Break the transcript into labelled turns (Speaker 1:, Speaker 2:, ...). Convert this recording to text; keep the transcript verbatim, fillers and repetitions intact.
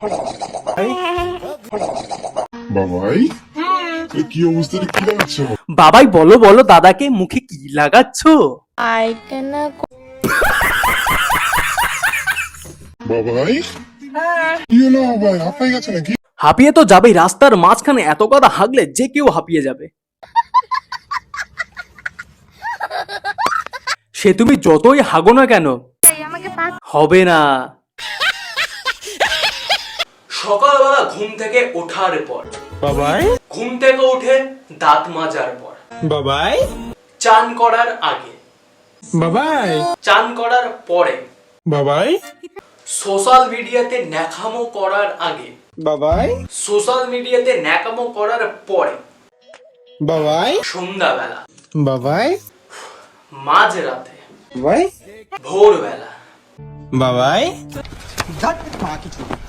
Speaker 1: বাবাই কি অবস্থা, কি লাগাচ্ছ?
Speaker 2: বাবাই বলো বলো দাদাকে মুখে কি লাগাচ্ছ?
Speaker 3: আইকেনা
Speaker 1: বাবাই কি হলো বাবাই, হাঁপাই গেছে নাকি?
Speaker 2: হাঁপিয়ে তো যাবেই, রাস্তার মাঝখানে এত কথা হাগলে যে কেউ হাঁপিয়ে যাবে। সে তুমি যতই হাগো না কেন হবে না। সকালবেলা ঘুম থেকে ওঠার পর
Speaker 4: বাবাই
Speaker 2: ঘুম থেকে উঠে দাঁত মাজার পর
Speaker 4: বাবাই
Speaker 2: চান করার আগে
Speaker 4: বাবাই
Speaker 2: চান করার পরে
Speaker 4: বাবাই
Speaker 2: সোশ্যাল মিডিয়াতে ন্যাকামো করার আগে
Speaker 4: বাবাই
Speaker 2: সোশ্যাল মিডিয়াতে ন্যাকামো করার পরে
Speaker 4: বাবাই
Speaker 2: সন্ধ্যাবেলা
Speaker 4: বাবাই
Speaker 2: মাঝরাতে
Speaker 4: বাবাই
Speaker 2: ভোরবেলা
Speaker 4: বাবাই